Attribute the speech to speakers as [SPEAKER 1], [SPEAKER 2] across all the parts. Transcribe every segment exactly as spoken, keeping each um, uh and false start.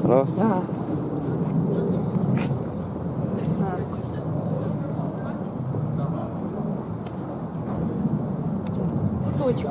[SPEAKER 1] Раз.
[SPEAKER 2] Да. Точку.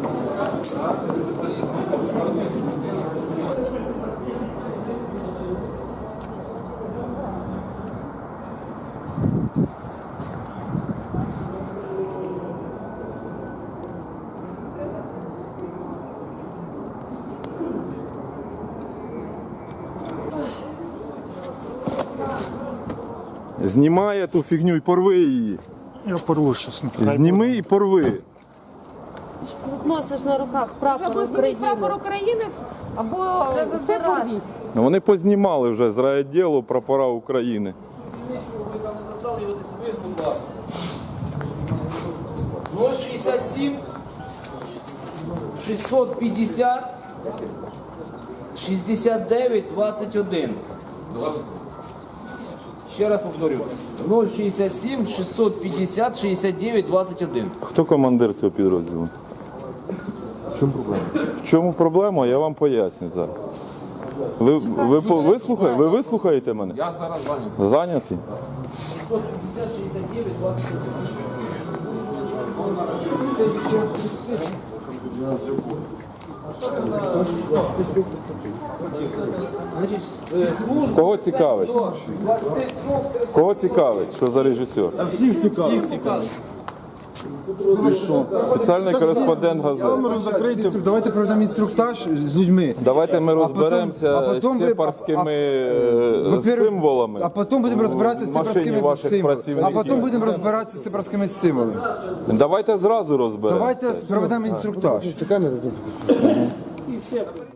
[SPEAKER 1] Знімай ту фігню і порви її.
[SPEAKER 3] Я порву щось.
[SPEAKER 1] Зніми і порви.
[SPEAKER 2] Носиш на руках прапор України.
[SPEAKER 4] Прапор України
[SPEAKER 2] Або це порвіть.
[SPEAKER 1] Ну, вони познімали вже з райвідділу прапора України.
[SPEAKER 5] ноль шістдесят сім шістсот п'ятдесят шістдесят дев'ять двадцять один. Ще раз повторю. ноль шістдесят сім шістсот п'ятдесят шістдесят дев'ять двадцять один.
[SPEAKER 1] Хто командир цього підрозділу? В чому проблема? В чому проблема? Я вам поясню зараз. Ви, ви, по- вислухай- ви вислухаєте мене?
[SPEAKER 5] Я зараз зайнятий.
[SPEAKER 1] Зайняті?
[SPEAKER 5] шістсот п'ятдесят шістдесят дев'ять двадцять один. Значить, е, служба
[SPEAKER 1] Кого цікавить? Кого цікавить? Що за режисер?
[SPEAKER 3] Всіх цікавить. Всіх цікавить. Ви що?
[SPEAKER 1] Спеціальний кореспондент газети.
[SPEAKER 3] Камеру закрийте.
[SPEAKER 6] Давайте проведемо інструктаж з людьми.
[SPEAKER 1] Давайте ми
[SPEAKER 6] потім-
[SPEAKER 1] розберемося
[SPEAKER 6] а потім
[SPEAKER 1] з
[SPEAKER 6] ви-
[SPEAKER 1] сепарськими
[SPEAKER 6] а-
[SPEAKER 1] е,
[SPEAKER 6] во-первых,
[SPEAKER 1] символами.
[SPEAKER 6] А потім будемо розбиратися з
[SPEAKER 1] в машині
[SPEAKER 6] сепарськими
[SPEAKER 1] ваших
[SPEAKER 6] символами. А
[SPEAKER 1] працівників.
[SPEAKER 6] потім будемо розбиратися з сепарськими символами.
[SPEAKER 1] Давайте зразу розберемося.
[SPEAKER 6] Давайте проведемо інструктаж.